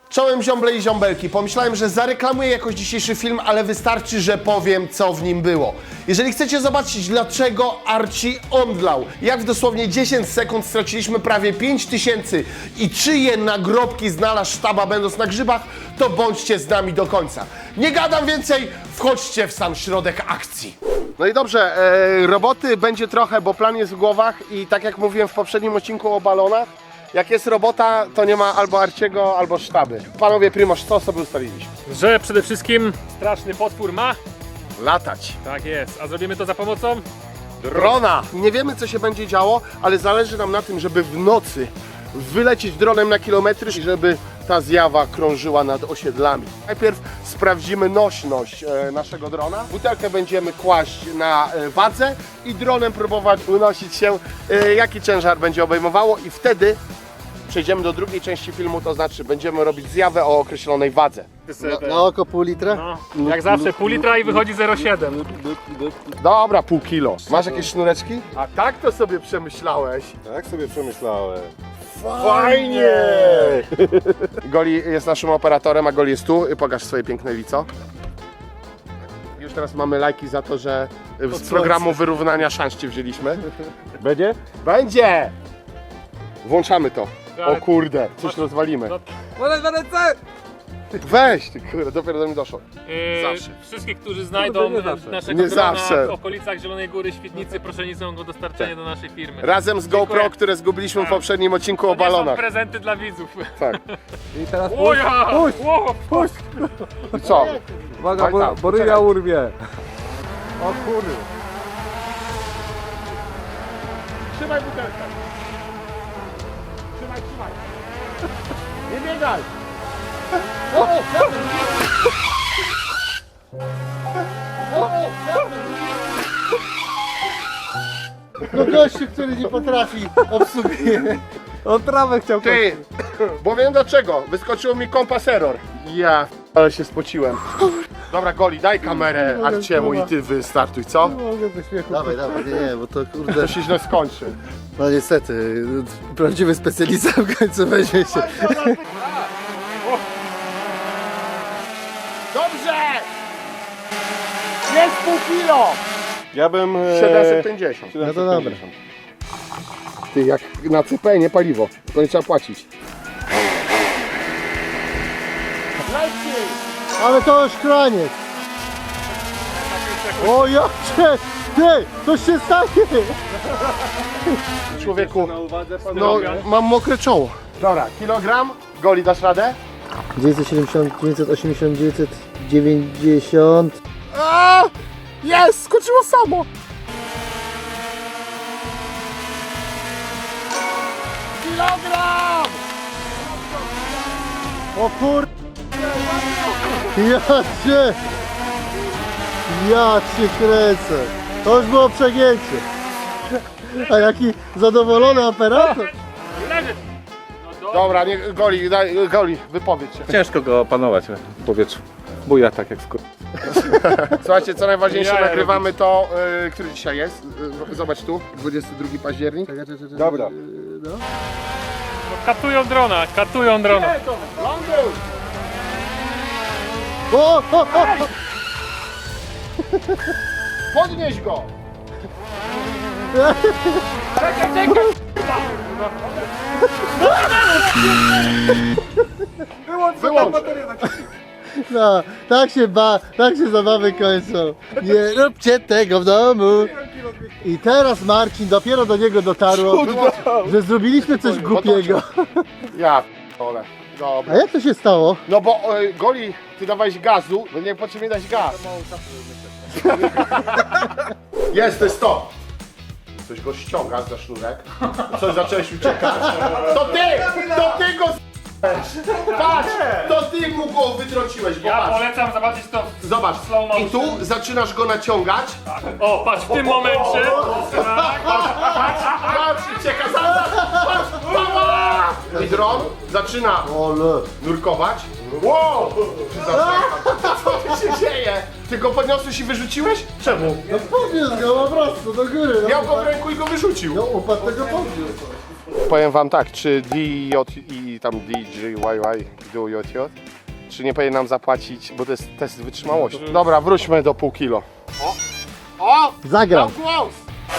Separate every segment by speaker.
Speaker 1: Czołem ziombli i ziombelki. Pomyślałem, że zareklamuję jakoś dzisiejszy film, ale wystarczy, że powiem, co w nim było. Jeżeli chcecie zobaczyć, dlaczego Archie omdlał, jak w dosłownie 10 sekund straciliśmy prawie 5000 i czyje nagrobki znalazł sztaba będąc na grzybach, to bądźcie z nami do końca. Nie gadam więcej, wchodźcie w sam środek akcji. No i dobrze, roboty będzie trochę, bo plan jest w głowach i tak jak mówiłem w poprzednim odcinku o balonach, jak jest robota, to nie ma albo Arciego, albo sztaby. Panowie Primoż, co sobie ustaliliśmy?
Speaker 2: Że przede wszystkim straszny potwór ma.
Speaker 1: Latać.
Speaker 2: Tak jest, a zrobimy to za pomocą
Speaker 1: Drona! Nie wiemy, co się będzie działo, ale zależy nam na tym, żeby w nocy wylecieć dronem na kilometry i żeby ta zjawa krążyła nad osiedlami. Najpierw sprawdzimy nośność naszego drona. Butelkę będziemy kłaść na wadze i dronem próbować unosić się, jaki ciężar będzie obejmowało i wtedy przejdziemy do drugiej części filmu, to znaczy będziemy robić zjawę o określonej wadze.
Speaker 3: Na oko pół litra?
Speaker 2: No, jak zawsze pół litra i wychodzi 0,7.
Speaker 1: Dobra, pół kilo. Masz jakieś sznureczki? A tak to sobie przemyślałeś.
Speaker 3: Tak sobie przemyślałem.
Speaker 1: Fajnie! Goli jest naszym operatorem, a Goli jest tu. Pokaż swoje piękne lico. Już teraz mamy lajki za to, że z programu wyrównania szans cię wzięliśmy.
Speaker 3: Będzie?
Speaker 1: Będzie! Włączamy to. O
Speaker 2: Ale-
Speaker 1: kurde, coś rozwalimy.
Speaker 2: Podaj na ręce!
Speaker 1: Weź ty kurde, dopiero do mnie doszło. Zawsze.
Speaker 2: Wszystkich, którzy znajdą
Speaker 3: nie zawsze.
Speaker 2: naszego
Speaker 1: Nie
Speaker 2: drona
Speaker 1: zawsze.
Speaker 2: w okolicach Zielonej Góry, Świdnicy, proszę nie są go dostarczenie do naszej firmy.
Speaker 1: Razem z GoPro,
Speaker 2: Dziękuję.
Speaker 1: które zgubiliśmy w poprzednim odcinku o
Speaker 2: To nie są
Speaker 1: balonach.
Speaker 2: prezenty dla widzów.
Speaker 1: Tak.
Speaker 3: I teraz
Speaker 2: Oja!
Speaker 3: puść!
Speaker 1: I co?
Speaker 3: Uwaga,
Speaker 1: Tak, tak,
Speaker 3: bo ryja
Speaker 1: poczekaj.
Speaker 3: urwie. O kurde.
Speaker 1: Trzymaj butelkę. Trzymaj. Nie biegaj.
Speaker 3: No gościu, który nie potrafi obsługuje. On trawę chciał
Speaker 1: Ty, bo wiem dlaczego. Wyskoczyło mi kompas error. Ja, ale się spociłem. Dobra, Goli, daj kamerę Arciemu i ty wystartuj, co?
Speaker 3: Mogę ze śmiechu.
Speaker 4: Dawaj, nie, bo to kurde,
Speaker 1: To się źle skończy.
Speaker 4: no niestety, prawdziwy specjalista w końcu weźmie się.
Speaker 1: Dobrze! Jest pół kilo!
Speaker 3: Ja bym...
Speaker 1: 750.
Speaker 4: No to dobra.
Speaker 1: Ty, jak na CP nie paliwo, to nie trzeba płacić.
Speaker 3: Ale to już kraniec. O ja cię! Ty! Coś się stanie!
Speaker 1: Człowieku, no mam mokre czoło. Dobra, kilogram, Goli, dasz radę?
Speaker 4: 970, 980, 990.
Speaker 1: A! Jest! Skoczyło samo! Kilogram!
Speaker 3: O kur... Ja cię kręcę. To już było przegięcie. A jaki zadowolony operator.
Speaker 2: Leży! No
Speaker 1: Dobra, nie, Goli, wypowiedz się.
Speaker 5: Ciężko go opanować w powietrzu. Buja tak jak skór.
Speaker 1: Słuchajcie, co najważniejsze,
Speaker 2: Jaja
Speaker 1: nagrywamy to, który dzisiaj jest. Zobacz tu, 22 październik.
Speaker 3: Dobra.
Speaker 2: Katują drona, katują drona.
Speaker 1: Ląduj!
Speaker 3: O!
Speaker 1: Podnieś go! Wyłącz!
Speaker 3: No, tak się zabawy kończą. Nie róbcie tego w domu. I teraz Marcin, dopiero do niego dotarło, że zrobiliśmy coś głupiego.
Speaker 1: Ja p***ole. Dobra.
Speaker 3: A jak to się stało?
Speaker 1: No bo Goli, ty dawałeś gazu, no nie potrzebnie dać gaz. Jest, to jest to. Coś go ściąga za sznurek. Coś zacząłeś uciekać. To ty go patrz, to ty mu go wytrąciłeś, bo
Speaker 2: Ja
Speaker 1: patrz.
Speaker 2: polecam zobaczyć to.
Speaker 1: Zobacz,
Speaker 2: slow motion.
Speaker 1: i tu zaczynasz go naciągać.
Speaker 2: O, patrz, w tym momencie. Tak,
Speaker 1: Patrz, ucieka, zaraz, patrz, mama! I dron zaczyna
Speaker 3: Ole.
Speaker 1: nurkować. Wow! Co tu się dzieje? Ty go podniosłeś i wyrzuciłeś? Czemu?
Speaker 3: No podniósł go po prostu do góry. No,
Speaker 1: Miał go w ręku i go wyrzucił.
Speaker 3: no upadł tego podniósł.
Speaker 1: Powiem wam tak, czy DJ i tam DJYY, czy nie powinien nam zapłacić, bo to jest test wytrzymałości. Dobra, wróćmy do pół kilo. O!
Speaker 3: Zagrał.
Speaker 1: Głos!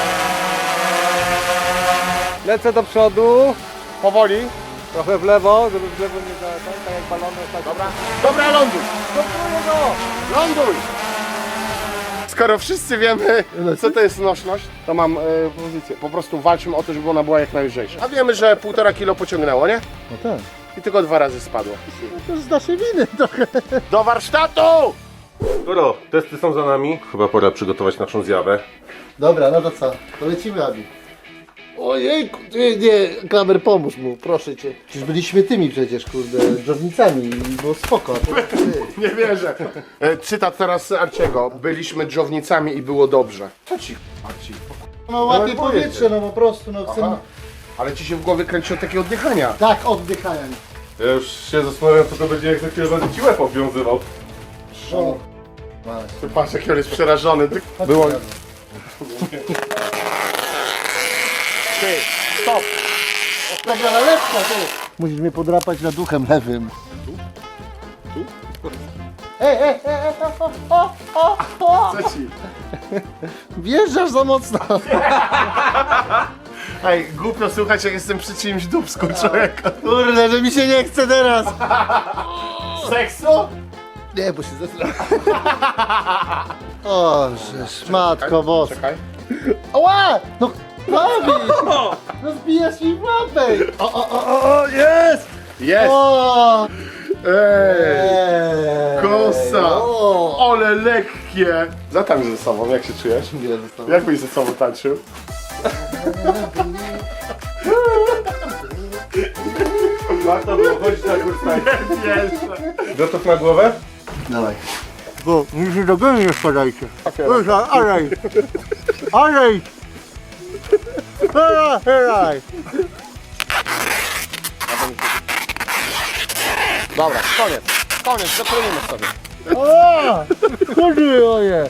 Speaker 5: Lecę do przodu,
Speaker 1: Powoli.
Speaker 5: trochę w lewo, żeby w lewo nie zaletać, tak jak balony. Tak.
Speaker 1: Dobra, ląduj! Ląduj! Skoro wszyscy wiemy, co to jest nośność, to mam pozycję. Po prostu walczymy o to, żeby ona była jak najlżejsza. A wiemy, że 1,5 kilo pociągnęło, nie?
Speaker 3: No tak.
Speaker 1: I tylko 2 razy spadło.
Speaker 3: To już z naszej winy trochę.
Speaker 1: Do warsztatu!
Speaker 6: Skoro testy są za nami, chyba pora przygotować naszą zjawę.
Speaker 3: Dobra, no to co? To lecimy, Abi. Ojejku, nie, Klamer, pomóż mu, proszę cię. Przecież byliśmy tymi przecież, kurde, dżownicami i było spoko. A teraz ty.
Speaker 1: Nie wierzę. Cytat teraz Arciego. Byliśmy dżownicami i było dobrze. Co ci, Arci?
Speaker 3: No łapie powietrze, no po prostu, no chcę...
Speaker 1: Ale ci się w głowie kręci od takiego oddychania.
Speaker 3: Tak, oddychania.
Speaker 6: Ja już się zastanawiam, co to będzie, jak za chwilę będę ci łeb obwiązywał.
Speaker 3: O.
Speaker 1: Ty patrz, jaki on jest przerażony.
Speaker 3: Chodź,
Speaker 1: Było...
Speaker 3: Klamer.
Speaker 1: Ty, stop!
Speaker 3: Dobra, lepka, ty. Musisz mnie podrapać nad duchem lewym.
Speaker 1: Tu? Co ci?
Speaker 3: Wjeżdżasz za mocno.
Speaker 1: Ej, głupio słuchać, jak jestem przy czyimś dupsku, człowieka.
Speaker 3: Kurde, że mi się nie chce teraz.
Speaker 1: Seksu?
Speaker 3: Nie, bo się zesrałem. O, żeż, matko boska.
Speaker 1: Czekaj.
Speaker 3: Ała! No, Abi! No zbijasz mi w łapę! O, jest!
Speaker 1: Jest!
Speaker 3: O!
Speaker 1: Ej! Kosa!
Speaker 3: O!
Speaker 1: Ale lekkie! Zatańcz ze sobą, jak się czujesz?
Speaker 3: Ile zostało?
Speaker 1: Jak byś ze sobą tańczył?
Speaker 6: Warto było chodzić na kurs tańca. Gotów na głowę?
Speaker 3: Dawaj. Bo mi się do gęby nie spadajcie. Alej! Alej! Alej!
Speaker 1: Dobra, koniec. Koniec, zakroimy sobie.
Speaker 3: O! Chodzi oje!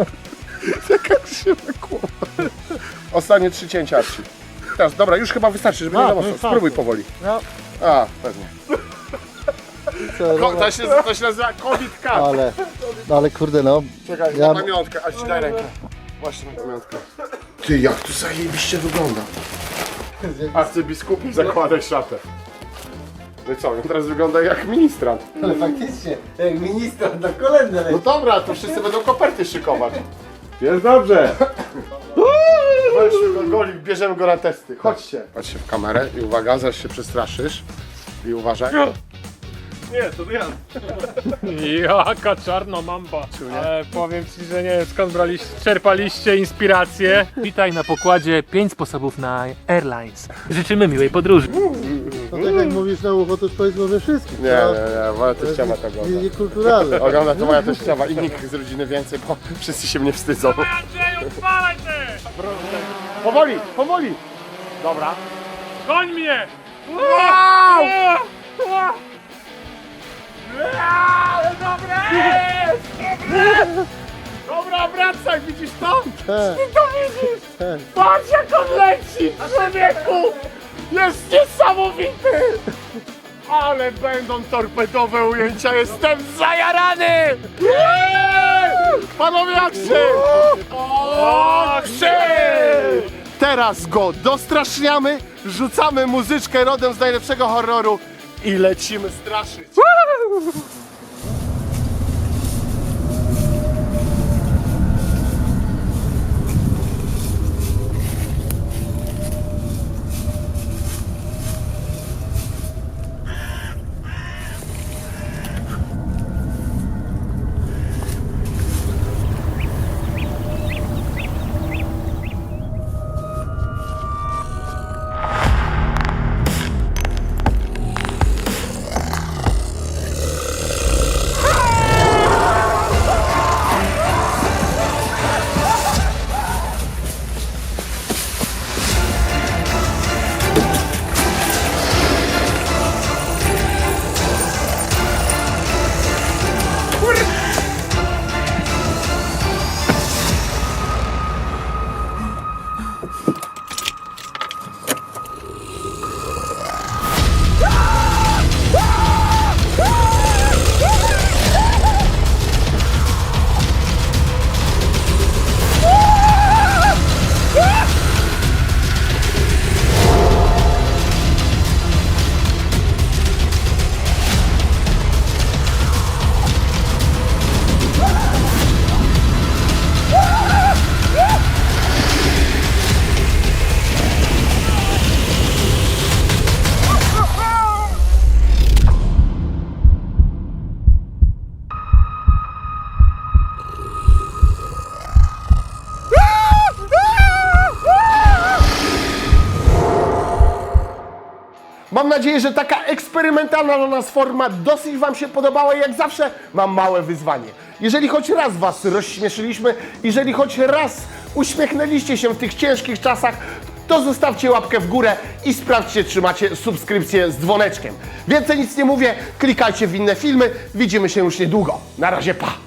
Speaker 1: Ostatnie 3 cięcia, Arci. Teraz, dobra, już chyba wystarczy, żeby nie za mocno.
Speaker 3: wystarczy.
Speaker 1: Spróbuj powoli.
Speaker 3: No.
Speaker 1: A, pewnie.
Speaker 3: Co,
Speaker 1: To się nazywa COVID cut.
Speaker 3: ale kurde no.
Speaker 1: Czekaj,
Speaker 3: Ja-
Speaker 1: na pamiątkę, aż ci daj rękę. Właśnie na pamiątkę. Ty, jak tu zajebiście wygląda. Arcybiskup, zakładaj szatę. No i co, on teraz wygląda jak ministrant.
Speaker 3: Ale faktycznie, jak minister na kolędę
Speaker 1: No dobra, to wszyscy będą koperty szykować.
Speaker 6: Jest dobrze.
Speaker 1: Weźmy go, Golik, bierzemy go na testy. Chodźcie. Patrzcie w kamerę i uwaga, zaraz się przestraszysz. I uważaj.
Speaker 6: Nie, to ja.
Speaker 2: Jaka czarna mamba. Ale powiem ci, że nie wiem skąd czerpaliście inspirację. Witaj na pokładzie 5 sposobów na Airlines. Życzymy miłej podróży.
Speaker 3: No tak jak mówisz na ucho, to już powiedz może wszystkich.
Speaker 1: Nie, nie, nie, moja teściowa to
Speaker 3: Nie,
Speaker 1: ogląda.
Speaker 3: niekulturalne.
Speaker 1: Ogląda to moja teściowa i nikt z rodziny więcej, bo wszyscy się mnie wstydzą.
Speaker 2: Andrzeju, spalaj ty!
Speaker 1: Powoli, powoli. Dobra.
Speaker 2: Goń mnie!
Speaker 1: Wow!
Speaker 2: Ale dobre jest!
Speaker 1: Dobra, wracaj, widzisz to?
Speaker 3: Tak,
Speaker 1: Ty to widzisz?
Speaker 3: tak.
Speaker 1: Patrz jak on leci, człowieku! Jest niesamowity! Ale będą torpedowe ujęcia, jestem zajarany! Panowie, akcje! Akcje! Teraz go dostraszniamy, rzucamy muzyczkę rodem z najlepszego horroru i lecimy straszyć. nadzieję, że taka eksperymentalna dla nas forma dosyć wam się podobała i jak zawsze mam małe wyzwanie. Jeżeli choć raz was rozśmieszyliśmy, jeżeli choć raz uśmiechnęliście się w tych ciężkich czasach, to zostawcie łapkę w górę i sprawdźcie, czy macie subskrypcję z dzwoneczkiem. Więcej nic nie mówię, klikajcie w inne filmy, widzimy się już niedługo. Na razie, pa!